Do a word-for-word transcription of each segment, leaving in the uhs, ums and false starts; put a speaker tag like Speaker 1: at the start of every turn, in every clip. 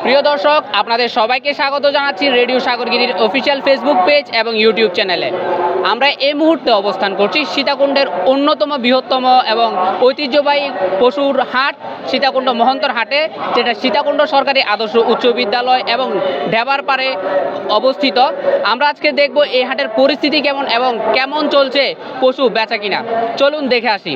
Speaker 1: প্রিয় দর্শক, আপনাদের সবাইকে স্বাগত জানাচ্ছি রেডিও সাগরগিরির অফিসিয়াল ফেসবুক পেজ এবং ইউটিউব চ্যানেলে। আমরা এই মুহূর্তে অবস্থান করছি সীতাকুণ্ডের অন্যতম বৃহত্তম এবং ঐতিহ্যবাহী পশুর হাট সীতাকুণ্ড মহন্তর হাটে, যেটা সীতাকুণ্ড সরকারি আদর্শ উচ্চ বিদ্যালয় এবং ঢেবার পাড়ে অবস্থিত। আমরা আজকে দেখব এই হাটের পরিস্থিতি কেমন এবং কেমন চলছে পশু বেচা কিনা। চলুন দেখে আসি।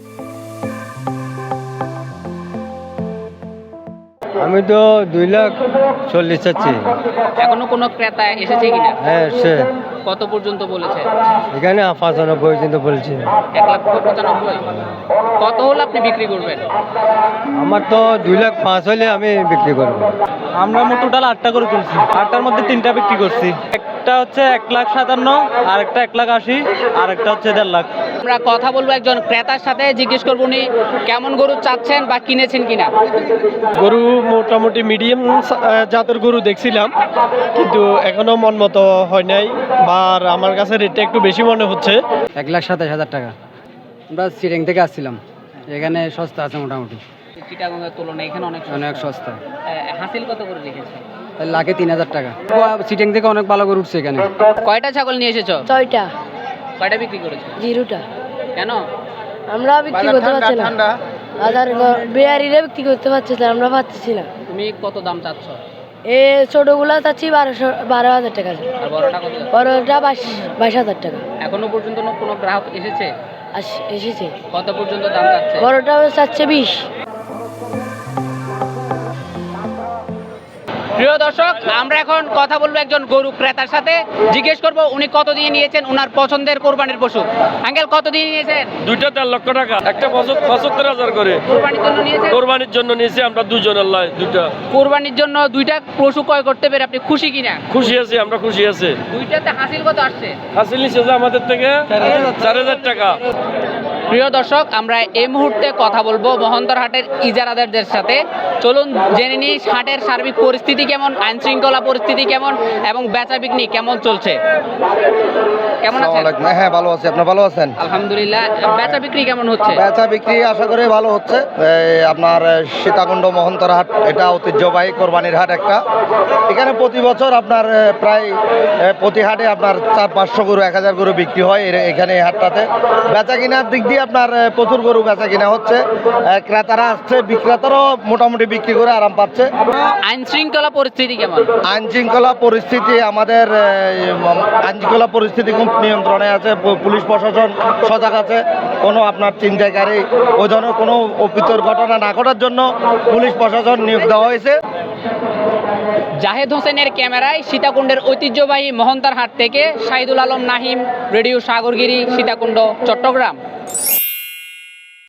Speaker 2: আমি তো দুই লাখ চল্লিশ চাচ্ছি।
Speaker 1: এখনো কোনো ক্রেতা এসেছে কিনা?
Speaker 2: হ্যাঁ সে
Speaker 1: কত পর্যন্ত বলেছে?
Speaker 2: এখানে পঁচানব্বই পর্যন্ত বলছি।
Speaker 1: এক লাখ পঁচানব্বই। কত হলে আপনি বিক্রি করবেন?
Speaker 2: আমার তো দুই লাখ পাঁচ হলে আমি বিক্রি করবো।
Speaker 3: আমরা মোট টোটাল আটটা করে তুলছি, আটটার মধ্যে তিনটা বিক্রি করছি। একটা হচ্ছে এক লাখ সাতান্ন, আর একটা এক লাখ আশি, আর একটা হচ্ছে দেড় লাখ।
Speaker 1: আমরা কথা বলবো একজন ক্রেতার সাথে, জিজ্ঞেস করবো উনি কেমন গরু চাচ্ছেন বা কিনেছেন কিনা।
Speaker 4: গরু মোটামুটি মিডিয়াম জাতের গরু দেখছিলাম, কিন্তু এখনো মন মতো হয় নাই, বা আমার কাছে রেটটা একটু বেশি মনে হচ্ছে।
Speaker 5: এক লাখ সাতাশ হাজার টাকা। আমরা সিটিং থেকে আসছিলাম, এখানে সস্তা আছে মোটামুটি,
Speaker 1: চিটাগংয়ের তুলনায় এখানে অনেক
Speaker 5: অনেক সস্তা।
Speaker 1: হাসিল কত করে রেখেছে?
Speaker 5: লাখে তিন হাজার টাকা। সিটিং থেকে অনেক ভালো করে উঠছে এখানে।
Speaker 1: কয়টা ছাগল নিয়ে এসেছো?
Speaker 6: ছয়টা।
Speaker 1: কয়টা বিক্রি করেছো?
Speaker 6: জিরোটা।
Speaker 1: কেন?
Speaker 6: আমরা বিক্রি করতে পারছি না, হাজার বিহারিরা বিক্রি করতে পারছে না, আমরা পাচ্ছি না।
Speaker 1: তুমি কত দাম চাচ্ছ?
Speaker 6: এ ছোটগুলা চাচ্ছি বারোশো বারো হাজার টাকা,
Speaker 1: আর বড়টা কত?
Speaker 6: বড়টা বাইশ বাইশ হাজার টাকা।
Speaker 1: এখনো পর্যন্ত কোনো গ্রাহক এসেছে?
Speaker 6: আস- এসেছে।
Speaker 1: কত পর্যন্ত দাম চাচ্ছে?
Speaker 6: বড়টা চাচ্ছে বিশ।
Speaker 1: প্রিয় দর্শক, আমরা এখন কথা বলবো একজন গরু ক্রেতার সাথে, জিজ্ঞেস করবো উনি কত দিয়ে নিয়েছেন ওনার পছন্দের কোরবানির পশু। আঙ্কেল, কত দিয়ে নিয়েছেন?
Speaker 4: দুইটা দেড় লক্ষ টাকা, একটা পঁচাত্তর হাজার করে
Speaker 1: কোরবানির জন্য নিয়েছেন?
Speaker 4: কোরবানির জন্য নিয়েছি আমরা দুজনের লাই দুইটা।
Speaker 1: কোরবানির জন্য দুইটা পশু ক্রয় করতে পেরে আপনি খুশি কিনা?
Speaker 4: খুশি আছি, আমরা খুশি আছি।
Speaker 1: দুইটাতে হাসিল কত আসছে?
Speaker 4: হাসিল নিচ্ছে যে আমাদের থেকে চার হাজার টাকা।
Speaker 1: প্রিয় দর্শক, আমরা এই মুহূর্তে কথা বলবো মহন্তর হাটের ইজারাদারদের সাথে। চলুন জেনে নিই হাটের সার্বিক পরিস্থিতি কেমন, আইন শৃঙ্খলা পরিস্থিতি কেমন এবং বেচা বিক্রি কেমন চলছে। কেমন আছেন?
Speaker 7: হ্যাঁ ভালো আছি, আপনার ভালো আছেন?
Speaker 1: আলহামদুলিল্লাহ। বেচা বিক্রি কেমন হচ্ছে?
Speaker 7: বেচা বিক্রি আশা করি ভালো হচ্ছে। এই আপনার সীতাকুণ্ড মহন্তর হাট, এটা ঐতিহ্যবাহী কোরবানির হাট একটা। এখানে প্রতি বছর আপনার আহ, প্রায় আহ, প্রতি হাটে আপনার চার পাঁচশো গরু এক হাজার গরু বিক্রি হয় এর- এখানে এই হাটটাতে। বেচা কিনার দিক দিয়ে আপনার আহ, প্রচুর গরু বেচা কিনা হচ্ছে। আহ, ক্রেতারা আসছে, বিক্রেতারাও মোটামুটি বিক্রি করে আরাম পাচ্ছে।
Speaker 1: আইন শৃঙ্খলা পরিস্থিতি কেমন?
Speaker 7: আইন শৃঙ্খলা পরিস্থিতি আমাদের আহ, আইন শৃঙ্খলা পরিস্থিতি খুব নিয়ন্ত্রণে আছে। প- পুলিশ প্রশাসন সজাগ আছে। কোনো আপনার ছিনতাইকারী ওই ধরনের কোনো অপ্রীতিকর ঘটনা না ঘটার জন্য পুলিশ প্রশাসন নিয়োগ দেওয়া হয়েছে।
Speaker 1: জাহেদ হোসেনের ক্যামেরায় সীতাকুণ্ডের ঐতিহ্যবাহী মহন্তার হাট থেকে শাহিদুল আলম নাহিম, রেডিও সাগরগিরি, সীতাকুণ্ড, চট্টগ্রাম।